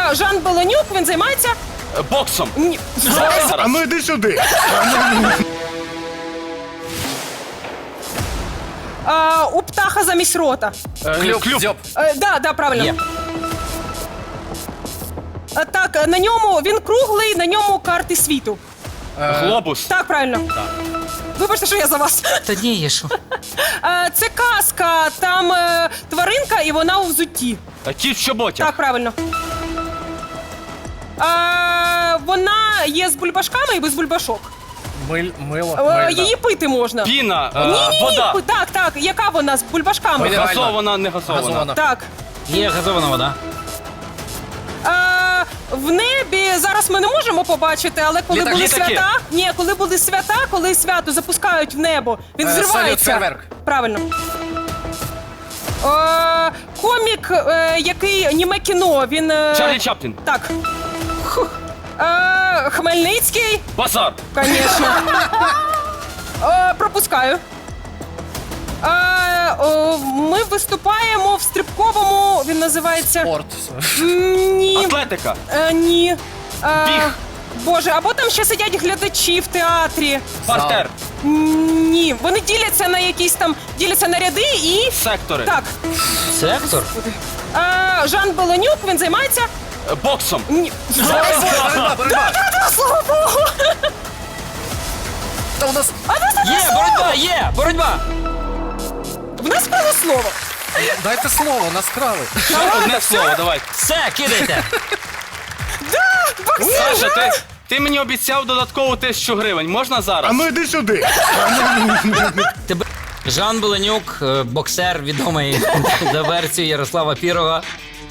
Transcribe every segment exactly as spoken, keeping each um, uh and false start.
А, Жан Беленюк, він займається... Е, Боксом. Ні. А ну йди сюди. А, у птаха замість рота. Е, Клюв, Клюв. дзьоб. Е, да, да, правильно. Є. А, так, на ньому, він круглий, на ньому карти світу. Глобус. Так, правильно. Вибачте, що я за вас. Та ні, є що. Е, це казка, там е, тваринка і вона у взутті. Е, Кіт в чоботях. Так, правильно. Е, вона є з бульбашками і без бульбашок. Миль, мило, Е, мильна. її пити можна. Піна. е, Ні-ні-ні, Вода. так, так. Яка вона з бульбашками? Мінеральна. Газована, не газована. Газована. Так. Є газована вода. Е, в небі зараз ми не можемо побачити, але коли Літак. були Літаки. свята, ні, коли були свята, коли свято запускають в небо, він Е, взривається. салют, фейерверк. Правильно. Е, комік, е, який німе кіно, він. е, Чарлі Чаплін. Так. Е, Хмельницький, Базар. звісно. Е, пропускаю. Е, о, ми виступаємо в стрибковому, він називається. Спорт. М, Ні. Атлетика. Е, ні. Е, Біг. Боже, або там ще сидять глядачі в театрі. Партер. М, Ні. Вони діляться на якісь там, діляться на ряди і. Сектори. Так. Сектор? Е, Жан Беленюк, він займається. Е, Боксом. Ні. Боротьба, боротьба. Та, слава Богу! Та у нас... А в нас одне Є, слово! боротьба, є, боротьба. В нас було слово. Дайте слово, нас крали. Ще одне слово, давай. Все, кидайте. Боксер! Саша, ти, ти мені обіцяв додаткову тисячу гривень. Можна зараз? А ну йди сюди. Тебе Жан Беленюк, е, боксер, відомий за версією Ярослава Пірога.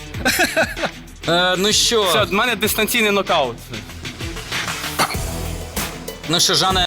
Е, ну що, Все, в мене дистанційний нокаут. ну що, Жане,